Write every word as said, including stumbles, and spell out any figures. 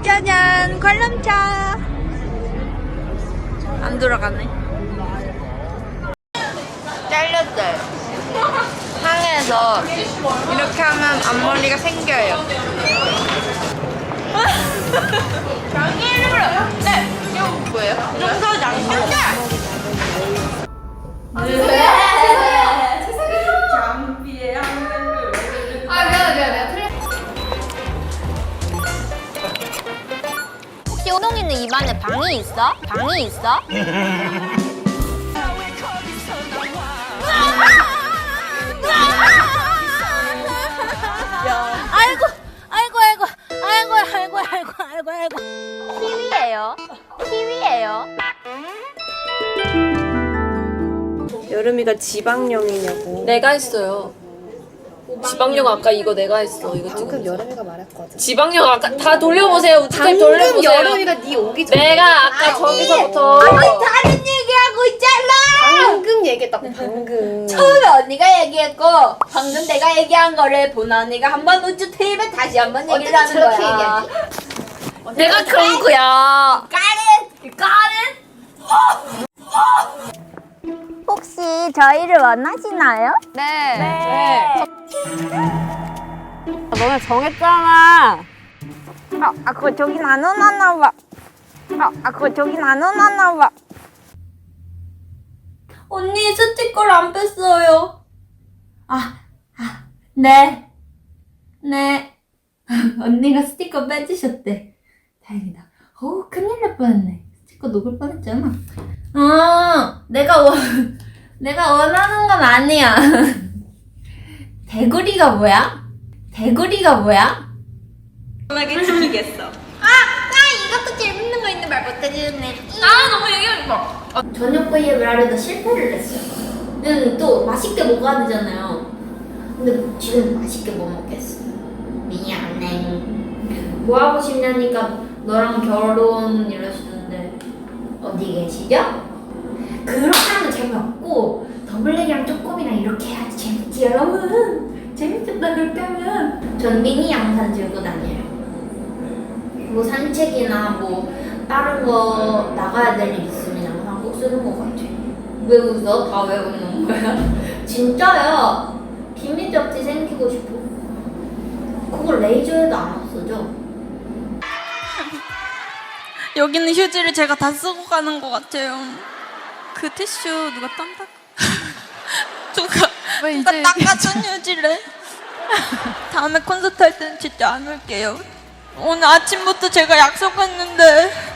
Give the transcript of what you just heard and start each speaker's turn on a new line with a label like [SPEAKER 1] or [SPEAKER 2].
[SPEAKER 1] 짜잔, 관람차. 안 돌아가네. 잘렸어요. 상해서 이렇게 하면 앞머리가 생겨요. 장애를 네, 이거 뭐예요? 좀더 장신데. 장비에 한글을. 아 미안해 미안해.
[SPEAKER 2] 혹시 호동이는 입안에 방이 있어? 방이 있어? 아이고, 아이고, 아이고, 아이고, 아이고, 아이고, 아이고, 아이고. 키위예요. 키위예요.
[SPEAKER 3] 여름이가 지방령이냐고.
[SPEAKER 4] 내가 했어요. 지방령 아까 이거 내가 했어. 이거
[SPEAKER 3] 방금
[SPEAKER 4] 지금
[SPEAKER 3] 여름이가 말했거든.
[SPEAKER 4] 지방령 아까 다 돌려보세요. 우측
[SPEAKER 3] 방금
[SPEAKER 4] 돌려보세요.
[SPEAKER 3] 여름이가 네 오기 전에
[SPEAKER 4] 내가 아까 저기서부터
[SPEAKER 1] 다른 얘기하고 있잖아.
[SPEAKER 3] 방금 얘기했다고 방금.
[SPEAKER 1] 처음에 언니가 얘기했고 방금 내가 얘기한 거를 본 언니가 한번 우측 테이블 다시 한번 얘기를 하는
[SPEAKER 3] 저렇게
[SPEAKER 1] 거야.
[SPEAKER 3] 얘기하지?
[SPEAKER 4] 내가 그런 거야.
[SPEAKER 1] 까렌! 까렌!
[SPEAKER 2] 혹시 저희를 원하시나요?
[SPEAKER 4] 네.
[SPEAKER 2] 네.
[SPEAKER 4] 너네 정했잖아.
[SPEAKER 2] 아, 아 그거 저긴 안 원하나 봐. 아, 아 그거 저긴 안 원하나 봐.
[SPEAKER 1] 언니 스티커를 안 뺐어요. 아, 아, 네. 네. 언니가 스티커 빼주셨대. 다행이다. 어우, 큰일 날 뻔했네. 스티커 녹을 뻔했잖아. 아, 내가 원, 내가 원하는 건 아니야. 대구리가 뭐야? 대구리가 뭐야? 편하게 지키겠어. 아, 아, 이것도 재밌는 거 있는 말 못해주네. 아, 너무 얘기하지 마. 저녁 브이앱을 하려다 실패를 했어요. 근데 또 맛있게 먹어야 되잖아요. 근데 지금 맛있게 못 먹겠어. 미안해. 뭐 하고 싶냐니까 너랑 결혼 이러시는데 어디 계시죠? 그렇게 하면 재미없고 더블랙이랑 쪼꼬미랑 이렇게 해야지 재밌지 여러분. 재밌겠다 그렇게 하면. 전 미니 양산 들고 다녀요. 뭐 산책이나 뭐 다른 거 나가야 될 일 있으면 항상 꼭 쓰는 것 같아. 왜 웃어? 다 왜 웃는 거야? 진짜야. 비밀 접지 생기고 싶어. 그걸 레이저에도 안 없어져.
[SPEAKER 5] 여기는 휴지를 제가 다 쓰고 가는 것 같아요. 그 티슈 누가 땀 닦... 누가, 누가 닦아준 휴지를? 다음에 콘서트 할 때는 진짜 안 올게요. 오늘 아침부터 제가 약속했는데